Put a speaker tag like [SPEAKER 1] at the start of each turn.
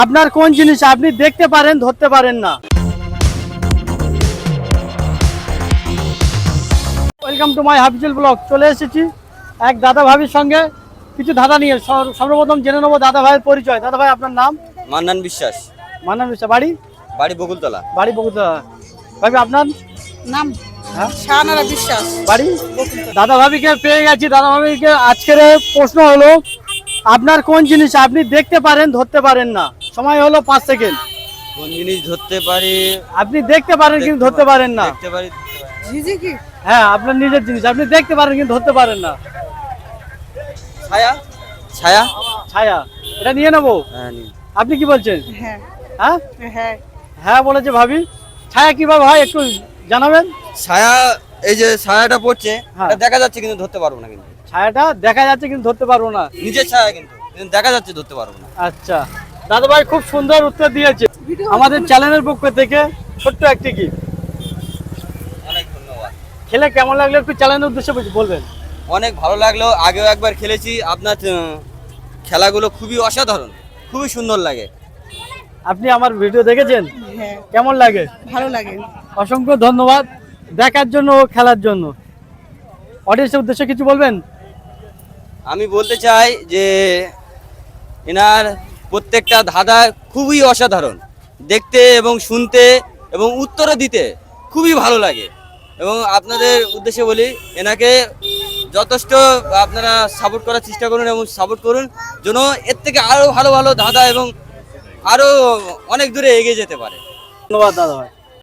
[SPEAKER 1] আপনার কোন জিনিস আপনি দেখতে পারেন ধরতে পারেন না? Welcome to my Hafizul blog. চলে এসেছি এক দাদা ভাবির সঙ্গে কিছু ধাঁধা নিয়ে। সর্বপ্রথম জেনে নেবো দাদা ভাইয়ের পরিচয়। দাদা ভাই, আপনার নাম?
[SPEAKER 2] মান্নান বিশ্বাস।
[SPEAKER 1] মান্নান বিশ্বাস। বাড়ি?
[SPEAKER 2] বাড়ি বকুলতলা।
[SPEAKER 1] বাড়ি বগুড়া। ভাবি, আপনার
[SPEAKER 3] নাম
[SPEAKER 1] হ্যাঁ
[SPEAKER 3] শাহানারা বিশ্বাস।
[SPEAKER 1] বাড়ি? দাদা ভাবিকে পেয়ে গেছি। দাদা ভাবিকে আজকের প্রশ্ন হলো, আপনার কোন জিনিস আপনি দেখতে পারেন ধরতে পারেন না? সময় হলো 5 সেকেন্ড।
[SPEAKER 2] কোন জিনিস ধরতে পারি?
[SPEAKER 1] আপনি দেখতে পারেন কিন্তু ধরতে পারেন না।
[SPEAKER 2] দেখতে পারি।
[SPEAKER 3] ঝিঝি কি?
[SPEAKER 1] হ্যাঁ, আপনার নিজের জিনিস আপনি দেখতে পারেন কিন্তু ধরতে পারেন না।
[SPEAKER 2] ছায়া। ছায়া।
[SPEAKER 1] ছায়া। এটা নিয়ে নেবো।
[SPEAKER 2] হ্যাঁ, নি।
[SPEAKER 1] আপনি কি বলছেন?
[SPEAKER 3] হ্যাঁ
[SPEAKER 1] হ্যাঁ
[SPEAKER 3] হ্যাঁ।
[SPEAKER 1] হ্যাঁ বলেছে ভাবি। ছায়া কিভাবে হয় একটু জানাবেন?
[SPEAKER 2] ছায়া, এই যে ছায়াটা পড়ছে,
[SPEAKER 1] হ্যাঁ।
[SPEAKER 2] এটা দেখা যাচ্ছে কিন্তু ধরতে পারবো না। কিন্তু
[SPEAKER 1] ছায়াটা দেখা যাচ্ছে কিন্তু ধরতে পারবো না।
[SPEAKER 2] নিজের ছায়া কিন্তু দেখা যাচ্ছে, ধরতে পারবো না।
[SPEAKER 1] আচ্ছা, দাদা ভাই খুব সুন্দর উত্তর দিয়েছে। আমাদের চ্যানেলের পক্ষ থেকে ছোট্ট একটি কি
[SPEAKER 2] অনেক ধন্যবাদ।
[SPEAKER 1] খেলে কেমন লাগলো একটু চ্যানেলের উদ্দেশ্যে বলবেন?
[SPEAKER 2] অনেক ভালো লাগলো। আগেও একবার খেলেছি। আপনার খেলাগুলো খুবই অসাধারণ, খুবই সুন্দর লাগে।
[SPEAKER 1] আপনি আমার ভিডিও দেখেছেন?
[SPEAKER 3] হ্যাঁ,
[SPEAKER 1] কেমন লাগে?
[SPEAKER 3] ভালো লাগে।
[SPEAKER 1] অসংখ্য ধন্যবাদ দেখার জন্য ও খেলার জন্য। অডিয়েন্সের উদ্দেশ্যে কিছু বলবেন?
[SPEAKER 2] আমি বলতে চাই যে এনার প্রত্যেকটা ধাঁধা খুবই অসাধারণ, দেখতে এবং শুনতে এবং উত্তরও দিতে খুবই ভালো লাগে। এবং আপনাদের উদ্দেশ্যে বলি, এনাকে যথেষ্ট আপনারা সাপোর্ট করার চেষ্টা করুন এবং সাপোর্ট করুন, যেন এর থেকে আরও ভালো ভালো ধাঁধা এবং আরও অনেক দূরে এগিয়ে যেতে পারে।
[SPEAKER 1] ধন্যবাদ দাদা ভাই।